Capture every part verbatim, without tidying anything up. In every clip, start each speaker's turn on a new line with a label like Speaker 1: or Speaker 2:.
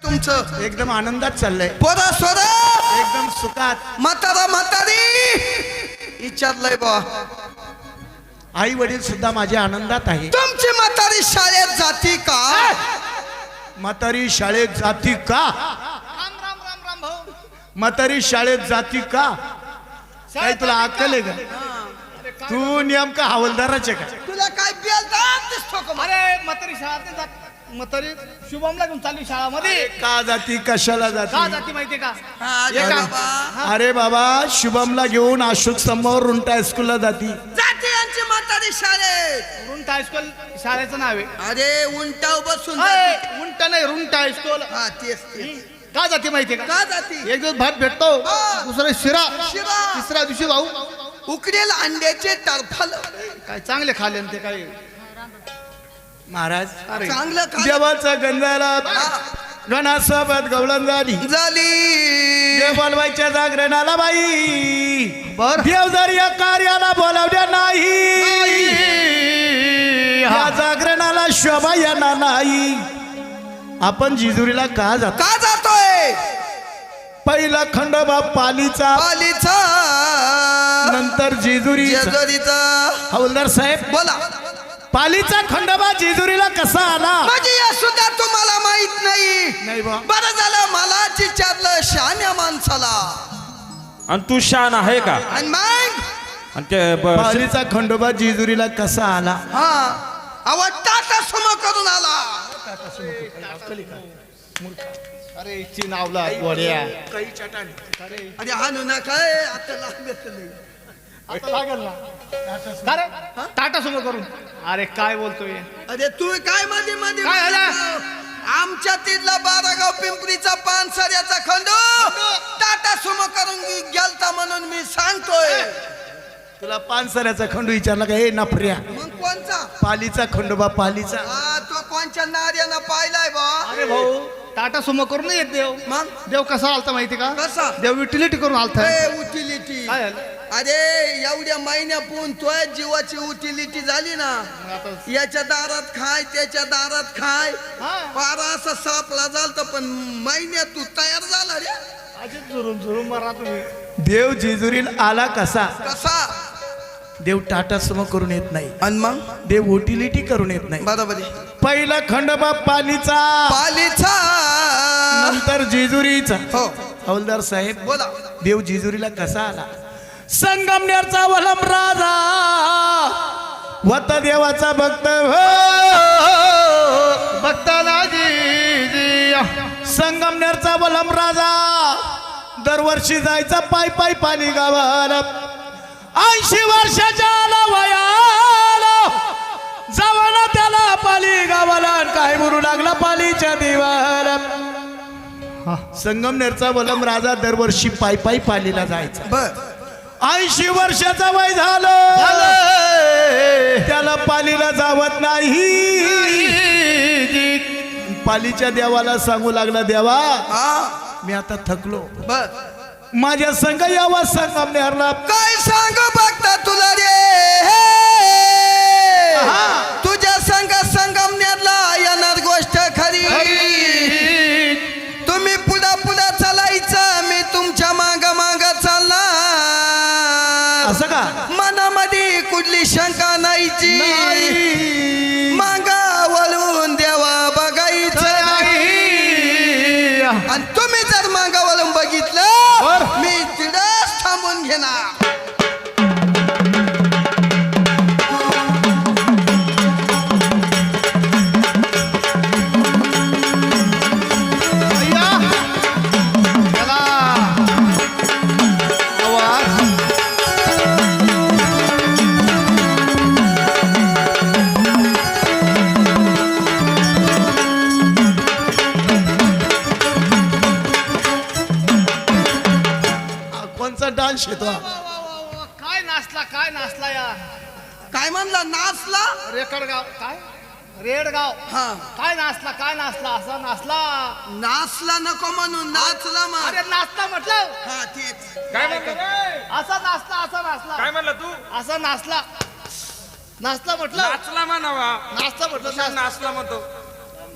Speaker 1: तुमचं
Speaker 2: एकदम आनंदात चाललंय,
Speaker 1: पोरा सोरा
Speaker 2: एकदम सुखात.
Speaker 1: म्हातारा म्हातारी विचारलंय बा,
Speaker 2: आई वडील सुद्धा माझ्या आनंदात आहे.
Speaker 1: तुमची म्हातारी शाळेत जाती का?
Speaker 2: म्हातारी शाळेत जाती का?
Speaker 3: राम राम राम राम भाऊ.
Speaker 2: म्हातारी शाळेत जाती का? काय तुला अक्कल आहे का? तू नेमका हवालदाराचे का?
Speaker 1: तुला काय बेलदार दिसतो का?
Speaker 3: अरे म्हातारी शाळा ते जात म्हातारी शुभमला घेऊन चालली शाळामध्ये.
Speaker 2: का जाती, कशाला
Speaker 3: का
Speaker 2: जाती?
Speaker 3: जाती माहितीये का?
Speaker 1: हा,
Speaker 3: ये का?
Speaker 1: बाबा.
Speaker 2: अरे बाबा, शुभमला घेऊन अशोक समोर रुंटा स्कूलला जाती.
Speaker 1: जाती यांची म्हातारी शाळेत.
Speaker 3: रुंट हायस्कूल शाळेचं नाव आहे.
Speaker 1: अरे उंटाव बसून
Speaker 3: अय,
Speaker 1: जाती.
Speaker 3: उंट नाही रुंट हायस्कूल.
Speaker 1: हा तेच तेच.
Speaker 3: का जाती माहितीये का?
Speaker 1: का जाती?
Speaker 3: एक दिवस भात भेटतो,
Speaker 1: हा.
Speaker 3: दुसरा शिरा,
Speaker 1: शिरा.
Speaker 3: तिसऱ्या दिवशी भाऊ
Speaker 1: उकडेल अंड्याचे टरफल.
Speaker 3: काय चांगले खाल्ले न ते काय.
Speaker 2: महाराज,
Speaker 3: अरे
Speaker 1: चांगलं खा
Speaker 2: देवाचा गंधाला
Speaker 1: हा.
Speaker 2: गणासोबत गवळण झाली.
Speaker 1: झाली.
Speaker 2: देव बोलवायच्या जागरणाला बाई,
Speaker 3: बर
Speaker 2: देव जर या कार्याला बोलावल्या नाही, या जागरणाला शोभा येणार नाही. आपण जिजुरीला का जातो?
Speaker 1: का जातोय?
Speaker 2: पहिला खंडोबा पालीचा,
Speaker 1: पालीचा
Speaker 2: नंतर जेजुरी.
Speaker 1: जेजुरीचा.
Speaker 2: हवलदार साहेब,
Speaker 1: बोला.
Speaker 2: पालीचा खंडोबा जेजुरीला कसा आला?
Speaker 1: म्हणजे या सुद्धा तुम्हाला माहित नाही.
Speaker 2: नाही बा.
Speaker 1: बरं झालं मला विचारलं शहाण्या माणसाला.
Speaker 4: आणि तू शान आहे का?
Speaker 1: आणि मग
Speaker 4: आणि ते ब-
Speaker 2: पालीचा खंडोबा जेजुरीला कसा आला?
Speaker 1: हा आवाज टाटा सुमो करून आला.
Speaker 3: अरे ची नावला गोड्या.
Speaker 1: अरे हानू नका ए, आता लागत नाही.
Speaker 3: आता लागेल ना. का रे? टाटा सुमो करून. अरे काय बोलतोय?
Speaker 1: अरे तू काय मध्ये मध्ये
Speaker 3: काय झालं?
Speaker 1: आमच्या तिथला बारागाव पिंपरीचा पानसऱ्याचा खंडो टाटा सुमो करून गेलता म्हणून मी सांगतोय.
Speaker 2: तुला पानसऱ्याचा खंडू विचारला का? हे नफऱ्या,
Speaker 1: मग कोणचा?
Speaker 2: पालीचा खंडोबा पालीचा.
Speaker 1: हा तो कोणच्या नार्यानं पाहिलाय बा?
Speaker 3: अरे भाऊ टाटा सुमो करून येत देव.
Speaker 1: मग
Speaker 3: देव कसा आलता माहिती का?
Speaker 1: कसा?
Speaker 3: देव युटिलिटी करून आलता.
Speaker 1: उटिलिटी.
Speaker 3: काय झालं?
Speaker 1: अरे एवढ्या महिन्यापून तोय जीवाची उटिलिटी झाली ना.
Speaker 3: आता
Speaker 1: याच्या दारात खाय त्याच्या दारात खाय
Speaker 3: हा.
Speaker 1: पारा असा सापला झालता पण महिन्यात तू तयार झाला रे.
Speaker 3: अजित झुरून झुरून मारा तुम्ही.
Speaker 2: देव जेजुरीला आला कसा?
Speaker 1: कसा?
Speaker 2: देव टाटा समो करून येत नाही,
Speaker 1: आणि मग
Speaker 2: देव उटिलिटी करून येत नाही.
Speaker 1: बरोबर आहे.
Speaker 2: पहिला खंडोबा पालीचा,
Speaker 1: पालीचा.
Speaker 2: नंतर जेजुरीचा.
Speaker 1: हो
Speaker 2: हवलदार साहेब,
Speaker 1: बोला.
Speaker 2: देव जेजुरीला कसा आला? संगमनेरचा वलम राजा वत देवाचा भक्त हो.
Speaker 3: बघताना जी जी
Speaker 2: संगमनेरचा वलम राजा दरवर्षी जायचा पाय पाय पाली गावाला. ऐंशी वर्षाच्या आला वयाला जावाला त्याला पाली गावाला. काय म्हणू लागला पालीच्या देवाला. संगमनेरचा वलम राजा दरवर्षी पाय पाय पालीला जायचा.
Speaker 1: बर.
Speaker 2: ऐंशी वर्षाचा वय झालं, त्याला पालीला जावत नाही. पालीच्या देवाला सांगू लागला, देवा
Speaker 1: हा
Speaker 2: मी आता थकलो,
Speaker 1: बर.
Speaker 2: माझ्या संग यावा संगमनेरला.
Speaker 1: काय सांगू बघता तुला रे? तुझ्या संग संगमनेरला येणार गोष्ट खरी. तुम्ही पुढा पुढा चालायचं, मी तुमच्या माग माग चालणार.
Speaker 2: असं का?
Speaker 1: मनामध्ये कुठली शंका नाहीची. मागा वळून देवा बघायचं नाही. आणि तुम्ही जर मागा वळून बघितलं मी तिथंच थांबून घेणार.
Speaker 2: कोणचा डान्स येतो?
Speaker 3: काय नाचला काय नाचला या
Speaker 1: काय म्हणला? नाचला?
Speaker 3: रेकडगाव काय रेडगाव.
Speaker 1: हा
Speaker 3: काय नाचला काय नाचला असा नाचला.
Speaker 1: नाचला नको म्हणून नाचला
Speaker 3: अरे
Speaker 1: मग.
Speaker 3: नाचला म्हटलं.
Speaker 1: हा तेच.
Speaker 4: काय म्हणतो रे?
Speaker 3: असा नाचला असा नाचला.
Speaker 4: काय म्हणला तू?
Speaker 3: असा नाचला नाचला म्हटलं.
Speaker 4: नाचला म्हणावा.
Speaker 3: नाचला म्हटलं
Speaker 4: कशाला
Speaker 3: नाचला.
Speaker 4: नाचला म्हणतो?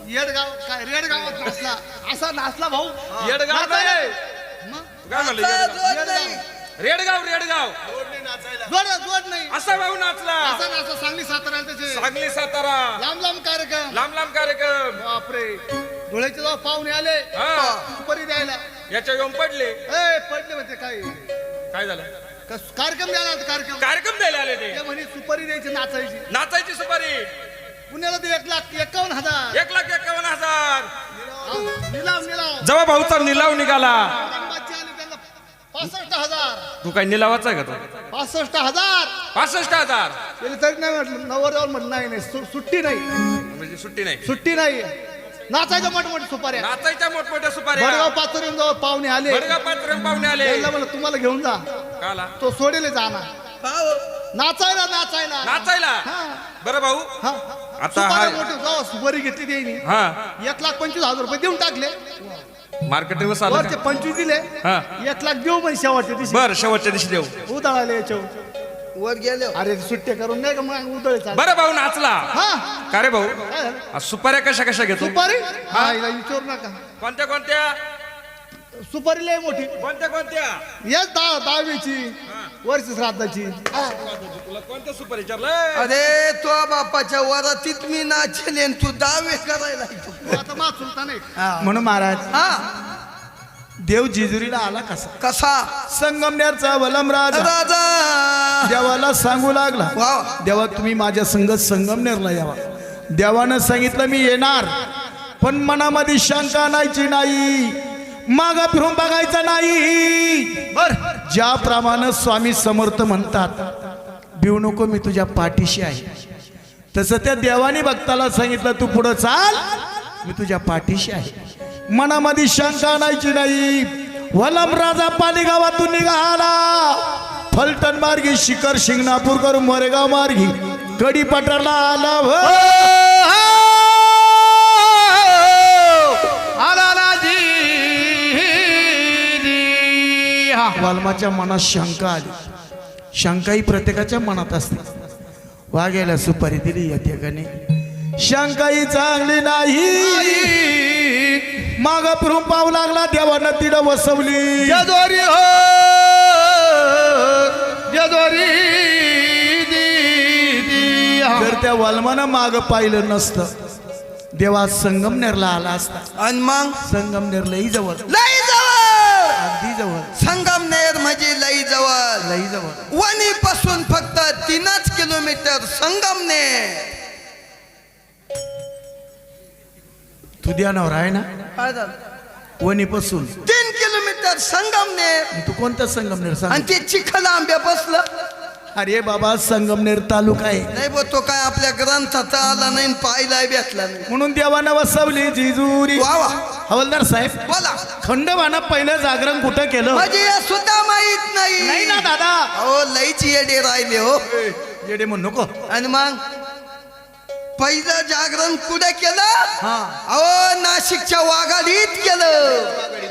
Speaker 3: येडगाव काय रेडगावात नाचला असा नाचला भाऊ
Speaker 5: येडगाव
Speaker 3: नाचायला.
Speaker 5: नाही.
Speaker 3: मग?
Speaker 5: काय म्हणलं
Speaker 1: आता
Speaker 5: येडगाव?
Speaker 1: जोड नाही.
Speaker 5: रेडगाव रेडगाव
Speaker 3: जोड जोड नाही
Speaker 5: असा भाऊ नाचला
Speaker 3: असा नाचला सांगली सातारा त्याचे
Speaker 5: सांगली सातारा
Speaker 3: लांब लांब कार्यक्रम
Speaker 5: लांब लांब कार्यक्रम
Speaker 3: बापरे धुळ्याचे जेव्हा पाहुणे आले
Speaker 5: हा
Speaker 3: सुपारी द्यायला
Speaker 5: याच्या येऊन पडले
Speaker 3: ए पडले म्हणते काय
Speaker 5: काय झालं
Speaker 3: कस- कार्यक्रम द्यायला होता कार्यक्रम
Speaker 5: कार्यक्रम द्यायला आले ते
Speaker 3: ते म्हणे सुपारी द्यायची नाचायची
Speaker 5: नाचायची सुपारी
Speaker 3: पुण्याला ते एक लाख एकावन्न हजार
Speaker 5: एक लाख एकावन्न हजार
Speaker 3: हा, निलाव निलाव
Speaker 5: जेव्हा भाऊचा निलाव निघाला
Speaker 3: औरंगाबादचे आले त्यांना पासष्ट हजार
Speaker 5: तू काय निलावाचा आहे का तो
Speaker 3: पासष्ट हजार
Speaker 5: पासष्ट हजार
Speaker 3: त्याला तरी नाही म्हटलं नवरदेवाला म्हटलं नाही नाही सु- सुट्टी नाही
Speaker 5: म्हणजे सुट्टी नाही
Speaker 3: सुट्टी नाही नाचायचं मोठमोठे सुपाऱ्या
Speaker 5: नाचायच्या मोठमोठ्या सुपाऱ्या
Speaker 3: भडगाव पाचोरीहून जवळ पाहुणे आले
Speaker 5: बडगा पात्र पाहुणे आले
Speaker 3: त्याला म्हणलं तुम्हाला घेऊन जा
Speaker 5: काला
Speaker 3: तो सोडेल जाणार
Speaker 1: भाऊ,
Speaker 3: नाचायला नाचायला
Speaker 5: नाचायला
Speaker 3: हा.
Speaker 5: बरं भाऊ
Speaker 3: हा.
Speaker 5: आता
Speaker 3: सुपाऱ्या
Speaker 5: हा-
Speaker 3: मोठी जाऊ सुपारी घेतली त्यांनी
Speaker 5: हा
Speaker 3: एक लाख पंचवीस हजार रुपये देऊन टाकले
Speaker 5: मार्केटिंग आलं
Speaker 3: वरचे
Speaker 5: का?
Speaker 3: पंचवीस दिले
Speaker 5: हा
Speaker 3: एक लाख देऊ पण शेवटच्या दिवशी
Speaker 5: बर शेवटच्या दिवशी देऊ
Speaker 3: उदळाले याच्यावर
Speaker 1: वर गेले
Speaker 3: अरे सुट्टे करून नाही का मग उदळ चाल
Speaker 5: बरं भाऊ नाचला
Speaker 3: हा
Speaker 5: का रे भाऊ
Speaker 3: काय झालं?
Speaker 5: आज सुपाऱ्या कशा कशा घेतो
Speaker 3: सुपारी हा हिला विचारू नका
Speaker 5: कोणत्या कोणत्या
Speaker 3: सुपारी लय मोठी
Speaker 5: कोणत्या कोणत्या
Speaker 3: येस दहा दहावीची वर्ष श्राद्धाची
Speaker 5: तुला कोणत्या सुपारी विचारलं
Speaker 1: अरे तो बापाच्या वरातीत मी नाचेल आणि तू दावे करायला येतो.
Speaker 3: तू आता मा चुलता नाही
Speaker 2: म्हणून महाराज
Speaker 1: हा
Speaker 2: देव जेजुरीला आला कसा
Speaker 1: कसा
Speaker 2: संगमनेरचा वलमराज
Speaker 1: राजा
Speaker 2: देवाला सांगू लागला
Speaker 1: वा
Speaker 2: देवा तुम्ही माझ्या संगत संगमनेरला यावा देवानं सांगितलं मी येणार पण मनामध्ये शंका नाहीची नाही मागा फिरून बघायचं नाही बर ज्याप्रमाणे स्वामी समर्थ म्हणतात भिवू नको मी तुझ्या पाठीशी आहे तसं त्या देवाने भक्ताला सांगितलं तू पुढं चाल मी तुझ्या पाठीशी आहे मनामध्ये शंका नाहीची नाही वलम राजा पालीगावातून निघाला फलटण मार्गी शिखर शिंगणापूर करून मोरेगाव मार्गी कडी पठारला आला हो. वाल्माच्या मनात शंका आली शंका ही प्रत्येकाच्या मनात असते वाघ्याला सुपारी दिली या ठिकाणी शंका ही चांगली नाही माग फिरून पाहू लागला देवानं तिडं वसवली
Speaker 3: जदोरी हो जदोरी
Speaker 2: जर त्या वाल्मानं माग पाहिलं नसतं देवा संगमनेरला आला असता
Speaker 1: आणि मग
Speaker 2: संगमनेर लई जवळ
Speaker 1: लई जवळ
Speaker 2: अगदी जवळ
Speaker 1: संगमनेर म्हणजे लई जवळ
Speaker 2: लई जवळ
Speaker 1: वणी पासून फक्त तीनच किलोमीटर संगमनेर.
Speaker 2: तू ध्यानावर आहे ना
Speaker 1: काय झालं?
Speaker 2: वणीपासून
Speaker 1: तीन किलोमीटर संगमनेर
Speaker 2: तू कोणता संगमनेर सांग
Speaker 1: आणि ते चिखल आंब्या बसलं
Speaker 2: अरे बाबा संगमनेर तालुका आहे
Speaker 1: नाही बो तो काय आपल्या ग्रंथात आला नाही आणि पाहायला भेटला नाही.
Speaker 2: म्हणून देवानं वसवली जिजुरी
Speaker 1: वा वा
Speaker 2: हवलदार साहेब
Speaker 1: बोला
Speaker 2: खंडोबानं पहिलं जागरण कुठं केलं
Speaker 1: म्हणजे हे सुद्धा माहित
Speaker 2: नाही
Speaker 1: नाही
Speaker 2: ना दादा
Speaker 1: हो लईच येडे राहिले हो
Speaker 2: येडे म्हणू नको
Speaker 1: आणि मग पहिलं जागरण कुठे केलं
Speaker 2: हा
Speaker 1: अहो नाशिकच्या वाघाडीत केलं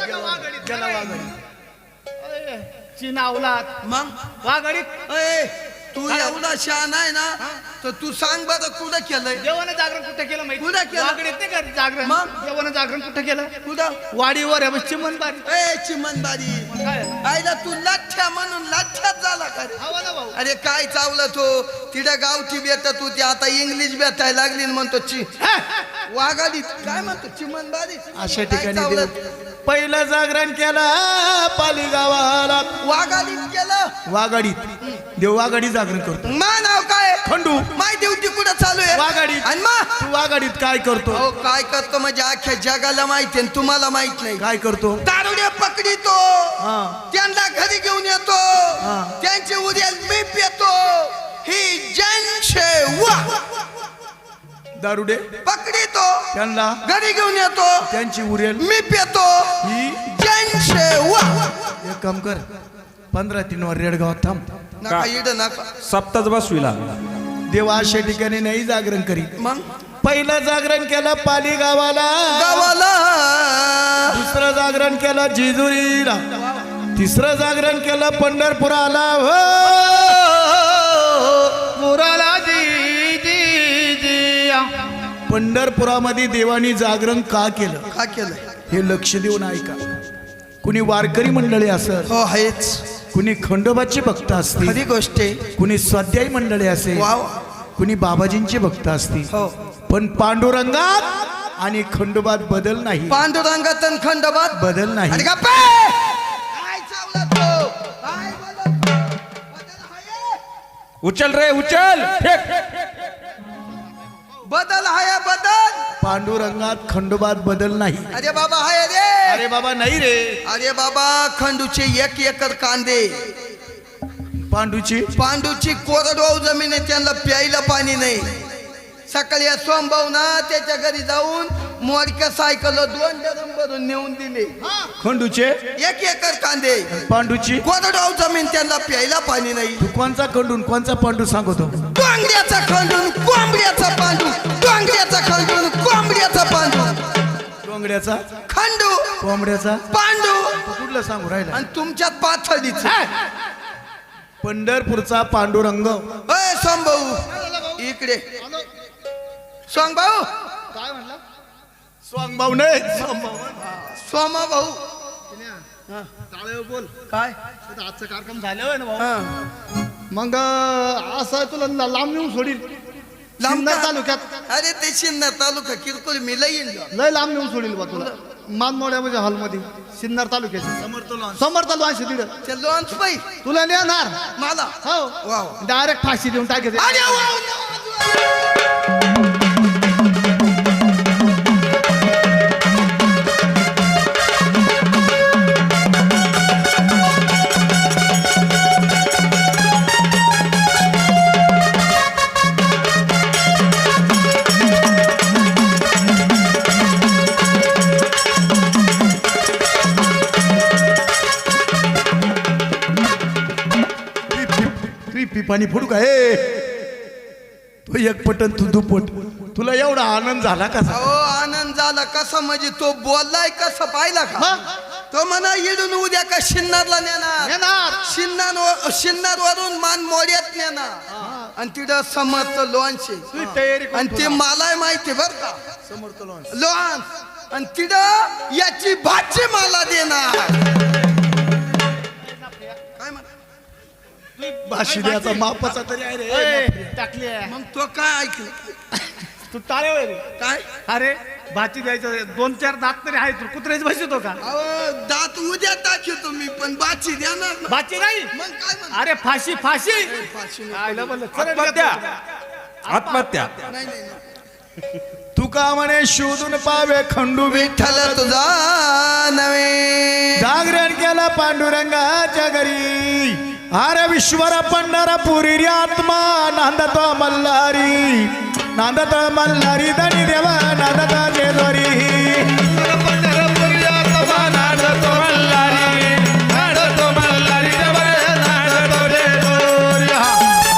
Speaker 3: चिनावलात
Speaker 1: मग
Speaker 3: वाघाडीत
Speaker 1: ए, तू एवढा शहाणा आहे ना तर तू सांग बरं कुठं केलंय
Speaker 3: देवानं जागरण कुठं केलं माहिती
Speaker 1: कुठं केलं?
Speaker 3: वाघाडीत नाही का जागरण
Speaker 1: मग?
Speaker 3: देवानं जागरण कुठं केलं
Speaker 1: कुठं
Speaker 3: वाडीवर आहे चिमणबारी
Speaker 1: ए चिमनबारी
Speaker 3: काय
Speaker 1: आईला तू लाठ्या म्हणून लाठ्यात झाला का रे?
Speaker 3: हवा ना भाऊ
Speaker 1: अरे काय चावलं तो तिथे गावठी भेटत होती आता इंग्लिश भेटायला लागली आणि म्हणतो चि वाघाडीत काय म्हणतो चिमनबारी
Speaker 2: अशा
Speaker 1: काय
Speaker 2: ठिकाणी
Speaker 1: चावलं?
Speaker 2: देव पहिलं जागरण केलं पाली गावाला
Speaker 1: वाघाडीत केलं
Speaker 2: वाघाडीत देव वाघाडी जागरण करतो
Speaker 1: मा नाव काय
Speaker 2: खंडू
Speaker 1: माय ड्युटी कुठं चालू आहे
Speaker 2: वाघाडीत
Speaker 1: आणि मा
Speaker 2: तू वाघाडीत काय करतो
Speaker 1: अहो काय करतो म्हणजे अख्ख्या जगाला माहिती आणि तुम्हाला माहित नाही
Speaker 2: काय करतो
Speaker 1: दारुडे पकडितो
Speaker 2: हा
Speaker 1: त्यांना घरी घेऊन येतो त्यांचे उद्या मी पेतो ही जनसेवा
Speaker 2: दारुडे
Speaker 1: पकडितो
Speaker 2: त्यांना
Speaker 1: घरी घेऊन येतो
Speaker 2: त्यांची उरेल
Speaker 1: मी पेतो
Speaker 2: ही
Speaker 1: जनसेवा
Speaker 2: एक काम कर पंधरा तीन वर रेडगाव थांब
Speaker 1: नका इड नका
Speaker 4: सप्ताच बसविला
Speaker 2: देव अशा ठिकाणी नाही जागरण करीत
Speaker 1: मग
Speaker 2: पहिलं जागरण केलं पाली गावाला
Speaker 1: गावाला
Speaker 2: दुसरं जागरण केलं जेजुरीला तिसरं जागरण केलं पंढरपुराला हो
Speaker 3: मुराला जी जी जी
Speaker 2: पंढरपुरामध्ये देवानी जागरण का केलं
Speaker 1: का केलं
Speaker 2: हे लक्ष देऊन ऐका. कुणी वारकरी मंडळी असत,
Speaker 1: हो आहेच
Speaker 2: कुणी खंडोबाचे भक्त असतील,
Speaker 1: खरी गोष्ट आहे.
Speaker 2: कुणी स्वाध्यायी मंडळी असेल,
Speaker 1: वाव
Speaker 2: कुणी बाबाजींचे भक्त असतील,
Speaker 1: हो
Speaker 2: पण पांडुरंगात आणि खंडोबात बदल नाही.
Speaker 1: पांडुरंगात आणि खंडोबात
Speaker 2: बदल
Speaker 1: अरे
Speaker 2: नाही.
Speaker 1: गप्पे! काय चावला तो? काय बोलत तो? बदल आहे?
Speaker 4: उचल रे उचल फेक.
Speaker 1: बदल आहे बदल.
Speaker 2: पांडुरंगात खंडोबात बदल नाही.
Speaker 1: अरे बाबा हाय रे.
Speaker 2: अरे बाबा नाही रे.
Speaker 1: अरे बाबा खंडूचे एक एकर कांदे,
Speaker 2: पांडूची
Speaker 1: पांडूची कोरडवाहू जमीन आहे, त्यांना प्यायला पाणी नाही. सकाळी या सोमभाऊ ना त्याच्या घरी जाऊन मोडक्या सायकल दोन डरम भरून नेऊन दिले.
Speaker 2: खंडूचे
Speaker 1: एक एकर कांदे,
Speaker 2: पांडूची
Speaker 1: कोरडवाहू जमीन, त्यांना प्यायला पाणी नाही.
Speaker 2: तू कोणचा खंडून कोणचा पांडू सांगतो?
Speaker 1: डोंगऱ्याचा खंडून कोंबड्याचा पांडू, डोंगऱ्याचा खंडून कोंबड्याचा पांडू,
Speaker 2: डोंगड्याचा
Speaker 1: खंडू
Speaker 2: कोंबड्याचा
Speaker 1: पांडू
Speaker 2: तू कुठलं सांगू राहिला?
Speaker 1: आणि तुमच्यात पाथडीच.
Speaker 2: पंढरपूरचा पांडुरंग.
Speaker 1: अय सोमभाऊ इकडे. सोमभाऊ
Speaker 3: काय म्हणला?
Speaker 2: स्वांग भाऊ नाही.
Speaker 1: सोमा भाऊ
Speaker 3: टाळेवर बोल.
Speaker 1: काय
Speaker 3: आता आजचा कार्यक्रम झाल्यावर ना भाऊ.
Speaker 1: हा.
Speaker 3: मग अं, असं तुला ला- लांब नेऊन सोडील.
Speaker 1: लांब
Speaker 3: सिन्नर
Speaker 1: का?
Speaker 3: तालुक्यात
Speaker 1: अरे ते सिन्नर तालुका किरकोळ मी लई येईन.
Speaker 3: लय लांब नेऊन सोडील बा तुला. मानमोड्या म्हणजे हॉलमध्ये सिन्नर तालुक्याचे समोर चालू आहे तिकडं.
Speaker 1: ते लॉन्च पाई
Speaker 3: तुला नेणार
Speaker 1: मला
Speaker 3: हो
Speaker 1: वाव.
Speaker 3: डायरेक्ट फाशी देऊन टाकायचं.
Speaker 1: अरे वाव.
Speaker 2: पी पाणी फोडू का? ए तू एक पटन तू दुपट. तुला एवढा आनंद झाला कसा?
Speaker 1: अहो आनंद झाला कसा म्हणजे तो बोललाय कसं पाहिला का?
Speaker 3: हा?
Speaker 1: तो म्हणा इडून उद्या का शिन्नरला नेणार,
Speaker 3: नेणार.
Speaker 1: शिन्नर शिन्नर वरून मान मोड्यात नेणार आणि तिथं समर्थ लॉन्च आहे.
Speaker 3: तुझी तयारी करून
Speaker 1: आणि ते
Speaker 3: ठेव.
Speaker 1: मलाय माहिती बर का लॉन्च. आणि तिथं याची भाजी मला देणार. काय म्हणा
Speaker 2: भाशी द्याचा मापाचा तरी आहे रे.
Speaker 3: ए, टाकली आहे.
Speaker 1: मग तो काय ऐकलं?
Speaker 3: तू टाळेवर रे.
Speaker 1: काय
Speaker 3: अरे भाची द्यायचं दोन चार दात तरी आहे. तू कुत्र्याची भाजी तो का?
Speaker 1: अहो दात उद्या टाकू तुम्ही पण बाची देणार ना.
Speaker 3: भाची नाही.
Speaker 1: मग काय म्हणा
Speaker 3: अरे फाशी फाशी.
Speaker 1: फाशी नको.
Speaker 3: आयला म्हणलं, चल
Speaker 4: आत्महत्या
Speaker 3: रे.
Speaker 4: आत्महत्या.
Speaker 1: नाही नाही नाही.
Speaker 2: तू का म्हणे शोधून पावे खंडू
Speaker 1: विठ्ठल तुझा नवे
Speaker 2: जागरण केला पांडुरंगाच्या घरी. अरे विश्वर पंढरपुरी रे आत्मा नांदतो मल्हारी, नांदतो मल्हारी धनी देवा नांदतो जेजोरी.
Speaker 4: पंढरपुरी आत्मा नांदतो मल्हारी, नांदतो मल्हारी देवा, नांदतो जेजुरी. हा.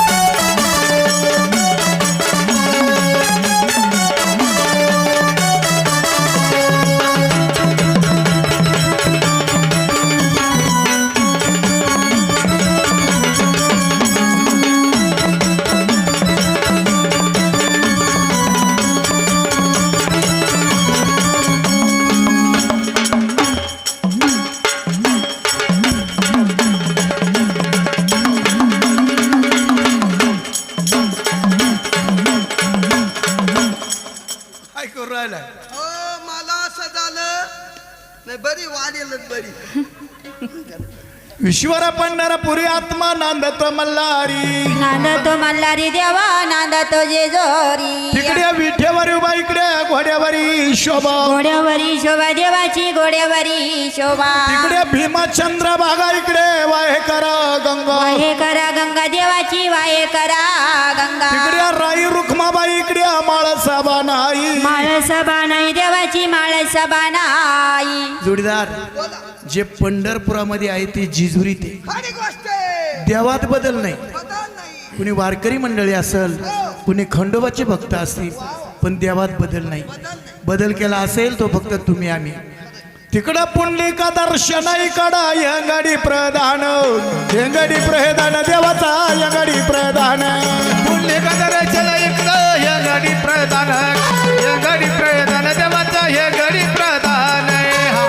Speaker 2: काय करू राहिला?
Speaker 1: हो मला असं झालं नाही बरी वाढेलच बरी.
Speaker 2: विश्वर पंढरपुरी आत्मा नांदतो मल्हारी.
Speaker 6: नांदतो मल्हारी देवा नांदतो जेजोरी.
Speaker 2: तिकडे विठेवर उभा इकडे घोड्यावरी शोभा.
Speaker 6: घोड्यावरी शोभा देवाची घोड्यावरी शोभा.
Speaker 2: तिकडे भीमचंद्र भागा इकडे वाहे करा गंगा.
Speaker 6: वाहे करा गंगा देवाची वाहे करा गंगा.
Speaker 2: तिकडे राई रुक्माबाई इकडे माळसाबा नाही.
Speaker 6: माळसभा नाही देवाची माळसभा नाही.
Speaker 2: जोडीदार जे पंढरपुरामध्ये आहे ते जिजुरी ते
Speaker 1: खरी गोष्ट आहे.
Speaker 2: देवात बदल नाही.
Speaker 1: बदल नाही.
Speaker 2: कुणी वारकरी मंडळी असेल, कुणी खंडोबाचे भक्त असतील, पण देवात बदल नाही. बदल केला असेल तो फक्त तुम्ही आम्ही. तिकडं पुंडलिका दर्शन इकडं यंगडी प्रधान यंगडी प्रधान देवाचा यंगडी प्रधान
Speaker 4: पुंडलिका दर्शन इकडं हे गडी प्रधान हे गडी प्रधान देवाचा हे गडी प्रधान हा.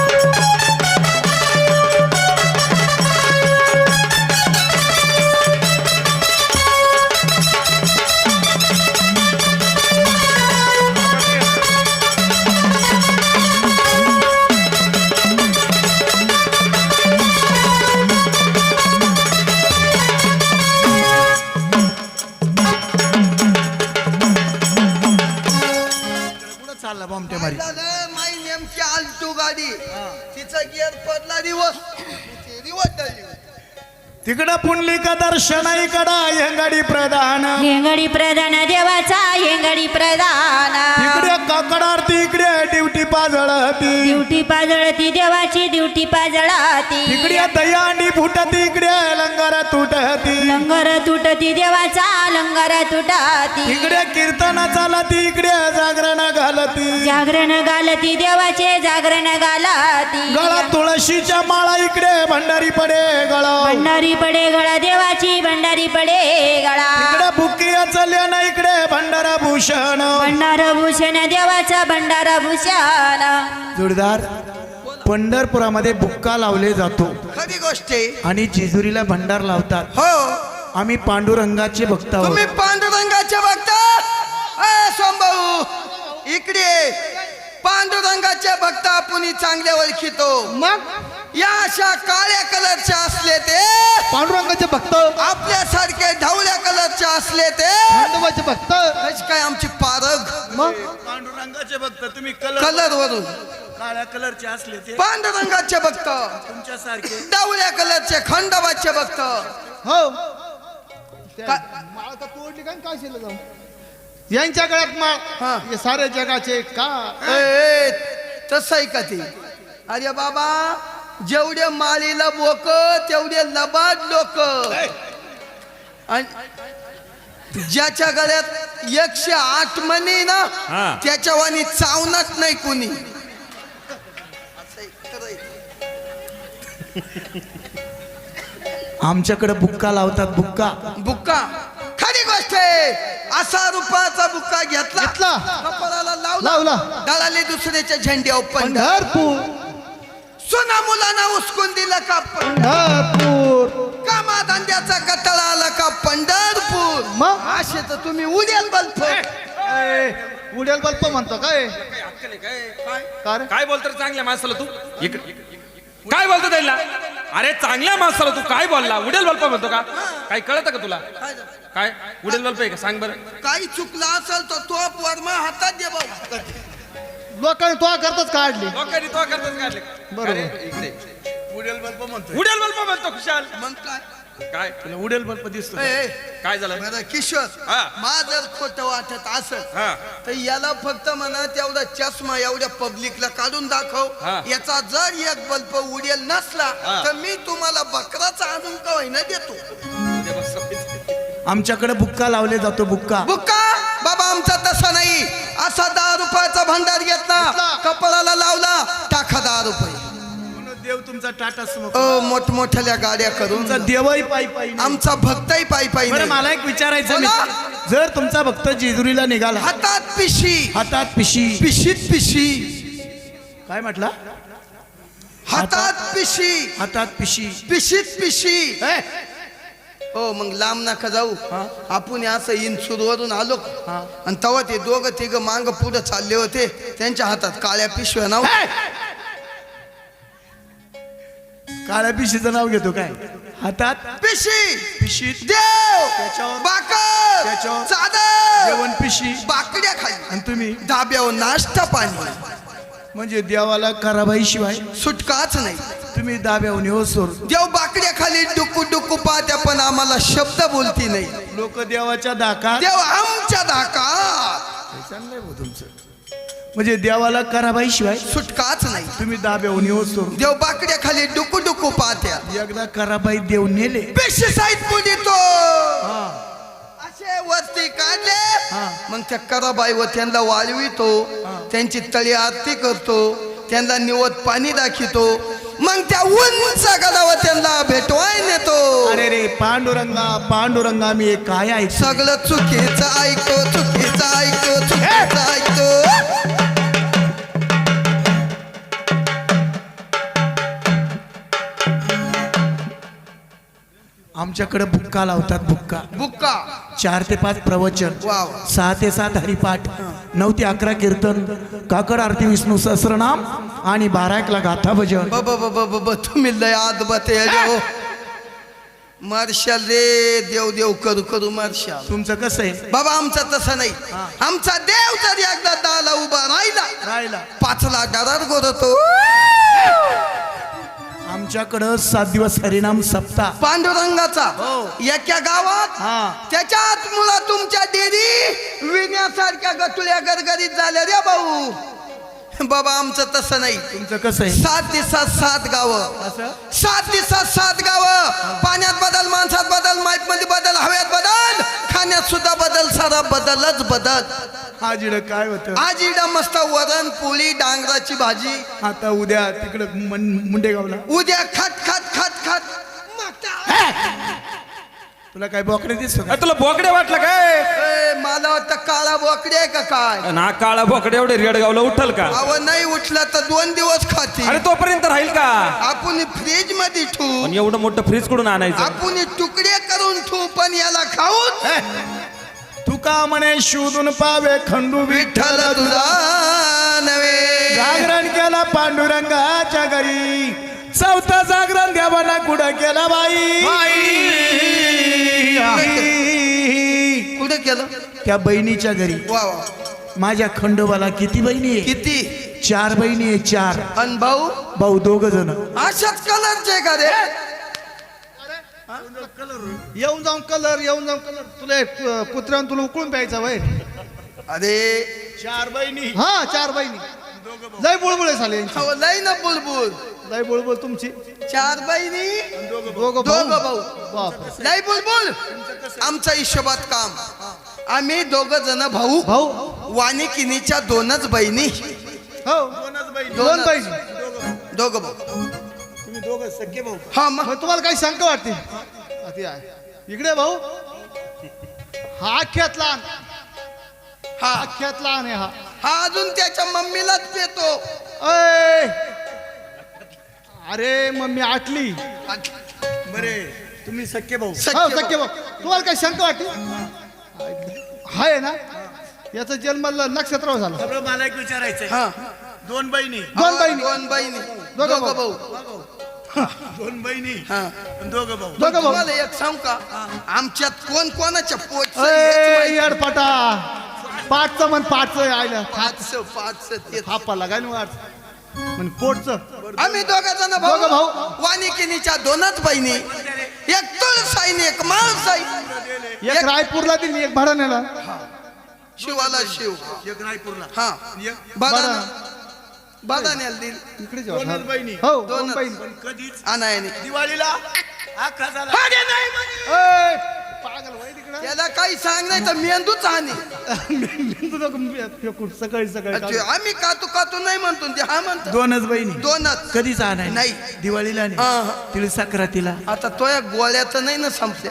Speaker 2: चालला बॉम्बटे मारी
Speaker 1: झालं, माई नेमकी आलटू गाडी तिचा गिअर पडला दिवस रिवर्स
Speaker 2: तिकडं पुंडलिका दर्शन इकडं यंगडी प्रधान
Speaker 6: हेंगडी प्रधान देवाचा हेंगडी प्रधान
Speaker 2: इकडे काकड आरती इकडे ड्युटी पाजळती
Speaker 6: ड्युटी पाजळती देवाची ड्युटी पाजळती
Speaker 2: इकडे दयांडी फुटती इकडे लंगर तुटती
Speaker 6: लंगर तुटती देवाचा लंगर तुटती
Speaker 2: इकडे कीर्तन चालती इकडे जागरण घालती
Speaker 6: जागरण गालती देवाचे जागरण गालती
Speaker 2: गळा तुळशीच्या माळा इकडे भंडारी पडे गळा
Speaker 6: भंडारी पडे गळा देवाची भंडारी पडे गळा
Speaker 2: इकडे बुकिया चालल्या ना इकडे भंडारा भूषण
Speaker 6: भंडार भूषण देवाचा भंडार भूषण
Speaker 2: जोडदार पंढरपुरामध्ये बुक्का लावले जातो
Speaker 1: खरी गोष्ट आहे.
Speaker 2: आणि जेजुरीला भंडार लावतात
Speaker 1: हो
Speaker 2: आम्ही पांडुरंगाचे भक्त आहोत
Speaker 1: तुम्ही पांडुरंगाचे भक्त अ, सोमभाऊ इकडे पांडुरंगाचे भक्त आपण चांगले ओळखितो
Speaker 3: मग
Speaker 1: या अशा काळ्या कलरच्या असले ते
Speaker 3: पांडुरंगाचे भक्त
Speaker 1: आपल्यासारखे ढवळ्या कलरचे असले ते
Speaker 3: पांडवाचे भक्त
Speaker 1: कशी काय आमची पारग
Speaker 3: मग
Speaker 2: पांडुरंगाचे भक्त तुम्ही
Speaker 1: कलर वरून
Speaker 2: काळ्या कलरचे असले ते
Speaker 1: पांडुरंगाचे भक्त
Speaker 2: तुमच्यासारखे
Speaker 1: ढवळ्या कलरचे खंडोबाचे भक्त
Speaker 3: हो
Speaker 1: का-
Speaker 3: माळ तर तोडली काय काय शिल्लक जाऊन यांच्या गळ्यात माळ
Speaker 1: हा.
Speaker 3: हे सारे जगाचे का
Speaker 1: ए, ए, तसं आहे का ते अरे बाबा जेवढे माळीला बोक तेवढे लबाड लोक आणि ज्याच्या गळ्यात एकशे आठ मणी ना
Speaker 5: हा.
Speaker 1: त्याच्या वाणी चावणार नाही कुणी असं आहे, खरं आहे.
Speaker 2: आमच्याकडे बुक्का लावतात बुक्का
Speaker 1: बुक्का खरी गोष्ट आहे असा रुपयाचा बुक्का घेतला
Speaker 3: घेतला.
Speaker 1: कपाळाला लावला
Speaker 3: लावला.
Speaker 1: दळाले दुसऱ्याच्या झेंड्यावर पण
Speaker 3: पंढरपूर
Speaker 1: सुना मुलांना उचकून दिलं का पण
Speaker 3: पंढरपूर
Speaker 1: कामा धंद्याचा कटाळा आला का पंढरपूर
Speaker 3: मग?
Speaker 1: असे तर तुम्ही उद्याल बल्फ
Speaker 3: ए, उडेल बल्प म्हणतो काय का रे?
Speaker 5: काय बोलतो रे चांगल्या माणसाला तू इकडे काय बोलतो त्याला अरे चांगल्या माणसाला तू काय बोलला उडेल बल्प म्हणतो का काय कळतं का तुला काय उडेल बल्प आहे का सांग बरं
Speaker 1: काही चुकलं असेल तर तो वर्मा हातात दे भाऊ
Speaker 3: लोकांनी तो करताच काढली
Speaker 5: लोकांनी तो करतच काढले
Speaker 3: बरोबर.
Speaker 5: अरे, इकडे.
Speaker 2: उडेल बल्ब म्हणतो
Speaker 5: उडेल बल्प म्हणतो खुशाल
Speaker 1: मग काय
Speaker 5: काय
Speaker 2: तुला उडेल बल्ब दिसतो
Speaker 1: ए, ए,
Speaker 5: काय झालं
Speaker 1: बरं किशोर
Speaker 5: हा.
Speaker 1: मा जर खोटं वाटत असेल
Speaker 5: हा
Speaker 1: तर याला फक्त म्हणा तेवढा चष्मा एवढ्या पब्लिकला काढून दाखव
Speaker 5: हा.
Speaker 1: याचा जर एक बल्ब उडेल नसला
Speaker 5: हा.
Speaker 1: तर मी तुम्हाला बकराचा आणून का होईना देतो
Speaker 2: आमच्याकडे बुक्का लावले जातो बुक्का
Speaker 1: बुक्का बाबा आमचा तसा नाही असा दहा रुपयाचा भंडार घेतला कपाळाला लावला टाका दहा रुपये
Speaker 2: देव तुमचा टाटा सुमो
Speaker 1: अ मोठमोठ्या गाड्या करून
Speaker 2: तुमचा देवही पायी पायी नाही.
Speaker 1: आमचा भक्तही पायी पायी
Speaker 2: बरं
Speaker 1: नाही.
Speaker 2: मला एक विचारायचं मी
Speaker 1: बोला.
Speaker 2: जर तुमचा भक्त जेजुरीला निघाला
Speaker 1: हातात पिशी
Speaker 2: हातात पिशी
Speaker 1: पिशीत पिशी
Speaker 2: काय म्हटला
Speaker 1: हातात पिशी
Speaker 2: हातात पिशी
Speaker 1: पिशीत पिशी
Speaker 2: ए,
Speaker 1: हो मग लांब नका जाऊ आपण असं इन्सूरवरून आलो
Speaker 2: हा.
Speaker 1: आणि तेव्हा ते दोघं तिघ मांग पुढे चालले होते त्यांच्या हातात काळ्या पिशव्या नाव
Speaker 2: ए! काळ्या पिशीचं नाव घेतो काय हातात
Speaker 1: पिशी
Speaker 2: पिशीत
Speaker 1: देव
Speaker 2: त्याच्यावर-
Speaker 1: बाकर
Speaker 2: त्याच्यावर
Speaker 1: चादर
Speaker 2: जेवण पिशी
Speaker 1: बाकड्या खाली
Speaker 2: आणि तुम्ही
Speaker 1: धाब्यावर नाश्ता पाणी
Speaker 2: म्हणजे देवाला कराबाई शिवाय
Speaker 1: सुटकाच नाही
Speaker 2: तुम्ही दाब्याहून हो सोर
Speaker 1: देव बाकड्या खाली डुकू डुकू पाहत्या पण आम्हाला शब्द बोलती नाही
Speaker 2: लोक देवाच्या दाकात
Speaker 1: देव आमच्या धाका
Speaker 2: चांगलंय भाऊ तुमचं म्हणजे देवाला कराबाई शिवाय
Speaker 1: सुटकाच नाही
Speaker 2: तुम्ही दाब्याहून हो सोर
Speaker 1: देव बाकड्या खाली डुकू डुकू पाहत्या
Speaker 2: एकदा कराबाई देव नेले
Speaker 1: पेशी साईड पुढितो
Speaker 2: हा
Speaker 1: असे वरती काढले
Speaker 2: हा.
Speaker 1: मग त्या कराबाई व त्यांना वाळवितो त्यांची तळी आरती करतो त्यांना निवत पाणी दाखवतो मग त्या उंच गडावर त्यांना भेटवाय नेतो
Speaker 2: अरे रे पांडुरंगा पांडुरंगा मी हे काय ऐक
Speaker 1: सगळं चुकीचं ऐकतो चुकीचं ऐकतो चुकीचं ऐकतो
Speaker 2: आमच्याकडे बुक्का लावतात बुक्का
Speaker 1: बुक्का
Speaker 2: चार ते पाच प्रवचन
Speaker 1: वाव.
Speaker 2: सहा ते सात हरिपाठ नऊ ते अकरा कीर्तन काकड आरती विष्णू सहस्रनाम आणि बारा एकला गाथा भजन
Speaker 1: ब ब ब ब ब तुम्ही लय आत बते हो मार्शाल रे देव देव करू करू मार्शाल
Speaker 2: तुमचं कसं आहे
Speaker 1: बाबा आमचं तसं नाही आमचा देव जर एकदा दाला उभा राहिला
Speaker 2: राहिला
Speaker 1: पाचला डरार गोरतो
Speaker 2: आमच्याकडं सात दिवस हरिनाम सप्ताह
Speaker 1: पांडुरंगाचा एका गावात
Speaker 2: हा.
Speaker 1: त्याच्यात मुला तुमच्या डेरी विण्यासारख्या गटुल्या गरगरीत झाल्या रे भाऊ बाबा आमचं तसं नाही
Speaker 2: तुमचं कसं आहे
Speaker 1: सात दिवसात सात गावं सात दिवसात सात गावं पाण्यात बदल माणसात बदल माईप मध्ये बदल हव्यात बदल खाण्यात सुद्धा बदल सारा बदलच बदल
Speaker 2: आज इकडं काय होतं
Speaker 1: आज इडं मस्त वरण पोळी डांगराची भाजी
Speaker 2: आता उद्या तिकडं मन- मुंडेगावला
Speaker 1: उद्या खत खत खत खत मागता.
Speaker 2: तुला काय बोकडे दिसतो का?
Speaker 5: अरे तुला बोकडे वाटलं काय
Speaker 1: ए, मला वाटतं काळा बोकडे आहे का काय
Speaker 5: ना काळा बोकडे एवढे रेडगावला उठल का
Speaker 1: अव नाही उठला तर दोन दिवस खाती
Speaker 5: अरे तोपर्यंत राहील का
Speaker 1: आपण फ्रीज मध्ये ठेवू
Speaker 5: पण एवढं मोठं फ्रीज कडून आणायचं
Speaker 1: आपण तुकडे करून ठेवू पण याला खाऊन
Speaker 2: तू का म्हणे शोधून पावे खंडू
Speaker 1: विठ्ठल तुझा नव्हे
Speaker 2: जागरण केला पांडुरंगाच्या घरी चौथा जागरण देवाना कुठं केला बाई
Speaker 1: कुठे केलं
Speaker 2: त्या बहिणीच्या घरी
Speaker 1: वा वा
Speaker 2: माझ्या खंडोबाला किती बहिणी आहे
Speaker 1: किती
Speaker 2: चार बहिणी आहे चार
Speaker 1: अन भाऊ
Speaker 2: भाऊ दोघ जण
Speaker 1: अशाच कलरचे का रे
Speaker 3: येऊन जाऊन कलर येऊन जाऊन कलर तुला एक, अं, कुत्र्यानं तुला उकळून प्यायचा वय
Speaker 1: अरे
Speaker 2: चार बहिणी
Speaker 3: हा चार बहिणी लय बुळबुळे झाले यांची.
Speaker 1: अहो, लय ना बुलबुल
Speaker 3: लय बुळबुळ तुमची
Speaker 1: चार बहिणी
Speaker 3: दोघं
Speaker 1: दोघं भाऊ
Speaker 3: बाप
Speaker 1: लय बुलबुल आमच्या हिशोबात काम आम्ही दोघ जण भाऊ
Speaker 3: भाऊ
Speaker 1: वानिकिनीच्या दोनच बहिणी
Speaker 3: हो दोन बहिणी
Speaker 1: दोघ भाऊ
Speaker 2: तुम्ही दोघं सख्खे भाऊ
Speaker 1: हा मग
Speaker 3: मग तुम्हाला काही शंका वाटते हा, ती आहे. इकडे भाऊ हा अख्ख्यात लहान
Speaker 1: हा
Speaker 3: अख्ख्यात लहान आहे हा
Speaker 1: हा अजून त्याच्या मम्मीलाच पेतो
Speaker 3: अय! अरे मम्मी आटली
Speaker 2: बरे तुम्ही सख्खे भाऊ
Speaker 3: हो
Speaker 1: सख्खे
Speaker 3: सख्खे भाऊ तुम्हाला काही शंका वाटते हाय ना याचा जन्म ल- नक्षत्रावर झाला
Speaker 2: सगळं मला एक विचारायचंय
Speaker 1: हा
Speaker 2: दोन बहिणी
Speaker 3: दोन बहिणी
Speaker 1: दोन बहिणी
Speaker 3: दोघं
Speaker 1: दोघं
Speaker 3: भाऊ.
Speaker 1: भाऊ
Speaker 2: दोन बहिणी
Speaker 1: हा
Speaker 2: दोघं भाऊ
Speaker 3: दोघं भाऊ
Speaker 1: तुम्हाला एक सांगू का आमच्यात कोण कोणाच्या पोट
Speaker 3: अय, येडपाटा पाठचं म्हण पाठचं आयला
Speaker 1: पाच पाच ते
Speaker 3: हापा लागाय ना वाट म्हण पोटचं
Speaker 1: आम्ही दोघा जण
Speaker 3: दोघं
Speaker 1: भाऊ
Speaker 3: भाऊ.
Speaker 1: वानिकिनीच्या दोनच बहिणी एक तुळसाईन एक माळसाई
Speaker 3: एक रायपूरला दिली एक भाडाण्याला
Speaker 1: शिवाला शिव
Speaker 2: एक रायपूरला
Speaker 1: हा बदाना बदाण्याला दिल
Speaker 3: इकडे
Speaker 2: दोनच बहिणी
Speaker 3: हो दोन
Speaker 1: दोनच.
Speaker 3: बहिणी
Speaker 2: कधीच
Speaker 1: अनायाने
Speaker 2: दिवाळीला आखा झाला
Speaker 1: अरे नाही म्हणे.
Speaker 3: अय, पागल वय तिकडं
Speaker 1: त्याला काही सांग नाही तर मेंदूच हानी
Speaker 3: मेंदू नको फेकून सकाळी सकाळी
Speaker 1: अच्छा, आम्ही कातू कातू नाही म्हणतो ते हा म्हणतो
Speaker 2: दोनच बहिणी
Speaker 1: दोनच
Speaker 2: कधीच आणाय
Speaker 1: नाही.
Speaker 2: दिवाळीला
Speaker 1: हा,
Speaker 2: नाही
Speaker 1: हा.
Speaker 2: तिळ सक्रातीला
Speaker 1: आता तो या गोळ्याचं नाही ना संपल्या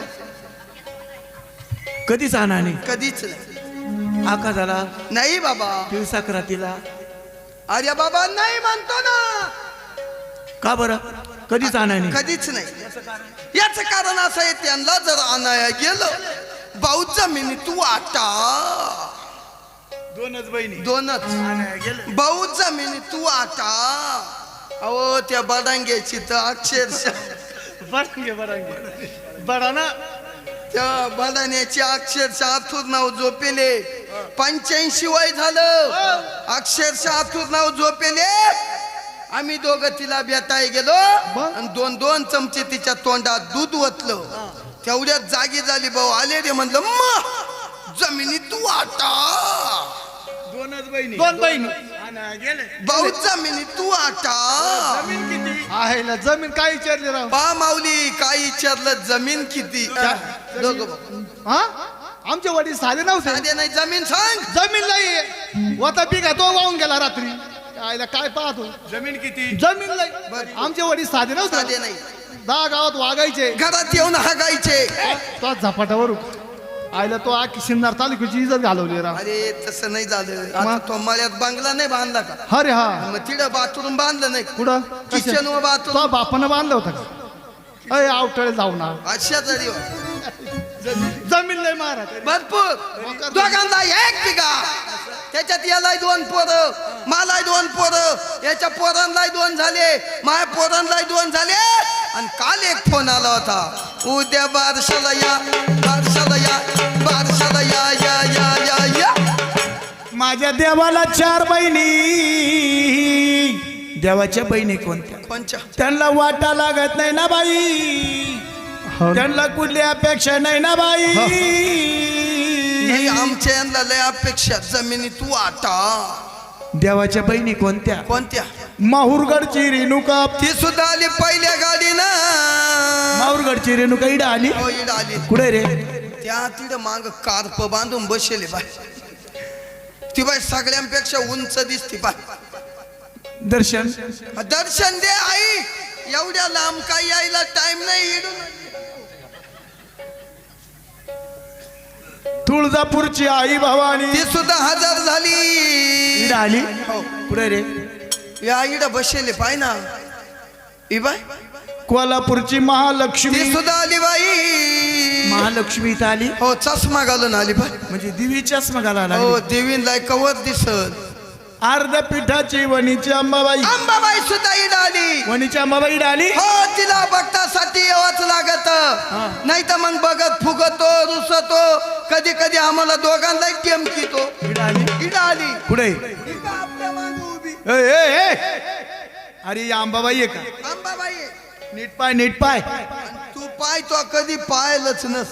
Speaker 2: कधीच आणाने
Speaker 1: कधीच नाही
Speaker 2: आका झाला
Speaker 1: नाही बाबा
Speaker 2: तिळ सक्रातीला
Speaker 1: अरे बाबा नाही म्हणतो ना
Speaker 2: का बरं कधीच आणाने
Speaker 1: कधीच नाही याच कारण असं आहे त्यांना जर आणाया गेलं भाऊ जमिनी तू आटा
Speaker 2: दोनच बहिणी
Speaker 1: दोनच
Speaker 2: गेले
Speaker 1: भाऊ जमिनी तू आटा अहो त्या बडांग्याची तर अक्षरशः
Speaker 3: बरांगे बरांगे बराना
Speaker 1: त्या बडाण्याची अक्षरशः आथूर नाव झोपेले पंच्याऐंशी वय झालं अक्षरशः आथूर नाव झोपेले आम्ही दोघं तिला भेटाय गेलो आणि दोन दोन चमचे तिच्या तोंडात दूध ओतलं तेवढ्यात जागी झाली भाऊ आले रे म्हणलं म जमिनी तू आटा
Speaker 2: दोनच बहिणी
Speaker 3: दोन बहिणी
Speaker 2: गेले
Speaker 1: भाऊ जमिनी तू आटा
Speaker 2: जमीन किती
Speaker 3: आहे ना जमीन काय विचारली राव
Speaker 1: पा माऊली काय विचारलं जमीन किती दोघं भाऊ.
Speaker 3: हा आमचे वडील साधे नव्हते
Speaker 1: साधे नाही जमीन सांग
Speaker 3: जमीन नाही होता पिका तो वाहून गेला रात्री आयला काय पाहतो
Speaker 4: जमीन किती
Speaker 3: जमीन नाही आमचे वडील साधे
Speaker 1: साधे
Speaker 3: नव्हते
Speaker 1: नाही
Speaker 3: दहा गावात वागायचे
Speaker 1: घरात येऊन हागायचे
Speaker 3: तो झपाट्यावर आयला तो आखी शिंदार तालुक्याची इज्जत घालवली रा
Speaker 1: अरे तसं नाही झालं आता तो मळ्यात बंगला नाही बांधला का
Speaker 3: अरे हा
Speaker 1: मग तिथं बाथरूम बांधलं नाही
Speaker 3: कुठं
Speaker 1: किचन व बाथरूम
Speaker 3: तो बापानं बांधलं होतं का अय आवटळे जाऊ ना
Speaker 1: अशा तरी
Speaker 3: जमीन नाही महाराज
Speaker 1: भरपूर दोघांना एक बिघा त्याच्यात यालाही दोन पोरं मलाही दोन पोरं याच्या पोरांनाही दोन झाले माझ्या पोरांनाही दोन झाले आणि काल एक फोन आला होता उद्या बारशाला या बारशाला या बारशाला या या या या या
Speaker 2: माझ्या देवाला चार बहिणी देवाच्या बहिणी कोणत्या
Speaker 1: कोणच्या
Speaker 2: त्यांना वाटा लागत नाही ना बाई त्यांना कुठली अपेक्षा नाही ना बाई
Speaker 1: नाही आमच्या यांना लय अपेक्षा जमिनी तू आता
Speaker 2: देवाच्या बहिणी कोणत्या
Speaker 1: कोणत्या
Speaker 2: माहूरगडची रेणुका
Speaker 1: ती सुद्धा आली पहिल्या गाडीनं
Speaker 2: माहूरगडची रेणुका इडा आली
Speaker 1: हो इड आली
Speaker 2: कुठे रे
Speaker 1: त्या तिथं माग कार्प बांधून बसेले बाय ती बाय सगळ्यांपेक्षा उंच दिसती बाय
Speaker 2: दर्शन
Speaker 1: दर्शन दे आई एवढ्या लांब काही यायला टाइम नाही इडून
Speaker 2: तुळजापूरची आई भवानी
Speaker 1: ती सुद्धा हजर झाली
Speaker 2: इडा आली
Speaker 1: हो
Speaker 2: कुठे रे
Speaker 1: या इड बसेले पाय ना ई बाय
Speaker 2: कोल्हापूरची महालक्ष्मी
Speaker 1: ती सुद्धा आली बाई
Speaker 2: महालक्ष्मी इथं आली
Speaker 1: हो चष्मा घालून आली बाय
Speaker 2: म्हणजे देवी चष्मा घालायला
Speaker 1: हो
Speaker 2: लागली.
Speaker 1: देवीला कवर दिसत
Speaker 2: अर्ध पिठाची वणीची अंबाबाई
Speaker 1: अंबाबाई सुद्धा इड आली
Speaker 2: वणीची अंबाबाई इडा आली
Speaker 1: हो तिला बघतासाठी यावंच लागत नाही तर मग बघत फुगतो रुसतो कधी कधी आम्हाला दोघांना टेमकीतो
Speaker 2: इडा आली
Speaker 1: इड आली
Speaker 2: कुठे
Speaker 1: इथं आपल्या मागं उभी
Speaker 2: ए, ए, ए. अरे ही अंबाबाई आहे का
Speaker 1: अंबाबाई
Speaker 2: नीट पाय नीट पाय
Speaker 1: तू पाय तो कधी पायलच नस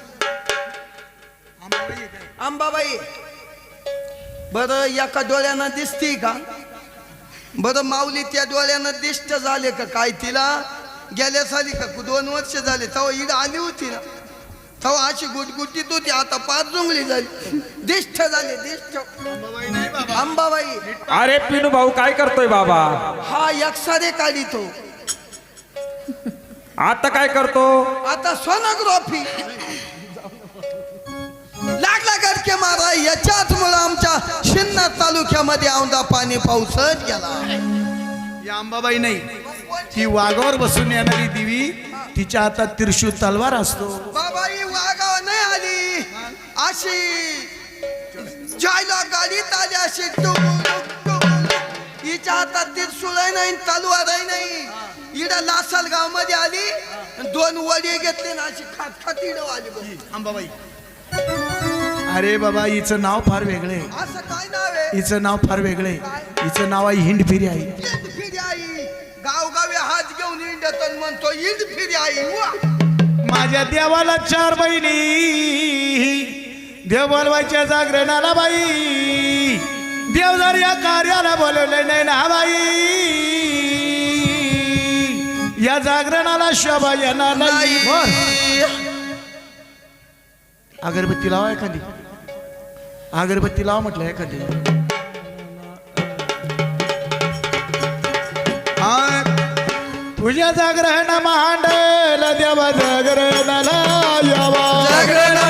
Speaker 1: अंबाबाई बरं एका डोळ्यानं दिसती का बरं माऊली त्या डोळ्यानं दिष्ट झाले का काय तिला गेल्या साली का दोन वर्ष झाले तेव्हा इड आली होती ना तेव्हा अशी गुटगुटीत होती आता पाच जुंगली झाली दिष्ट झाले दिष्ट अंबाबाई
Speaker 5: अरे पिनू भाऊ काय करतोय बाबा
Speaker 1: हा एकसारे काढितो
Speaker 5: आता काय करतो
Speaker 1: आता सोनोग्राफी लागला गडके मारा याच्याच मुळे आमच्या शिन्नर तालुक्यामध्ये औंधा पाणी पाऊसच गेला
Speaker 2: या अंबाबाई नाही ती वाघावर बसून येणारी देवी तिच्या हातात त्रिशूळ तलवार असतो
Speaker 1: बाबा ही वागाव नाही आली अशी जायला गाडीत आली अशी हिच्या हातात त्रिशूळ नाही तलवारही नाही इड लासल गाव मध्ये आली दोन वडी घेतले ना अशी खात खात इड आली
Speaker 2: अंबाबाई अरे बाबा हिचं नाव फार वेगळे
Speaker 1: असं काय नाव आहे
Speaker 2: हिचं नाव फार वेगळे हिचं नाव आहे हिंडफिरी आई
Speaker 1: इंड फिरी आई गावगावी हात घेऊन इंडत म्हणतो इंड फिरी आई वा
Speaker 2: माझ्या देवाला चार बहिणी देव बोलवायच्या जागरणाला बाई देव जर या कार्याला बोलवले नाही ना बाई या जागरणाला शोभा येणार नाही अगरबत्ती लावा एखादी अगरबत्ती लावा म्हटलं एखादी तुझ्या जागरण मांडल देवा जागरणाला यावा
Speaker 1: जागरण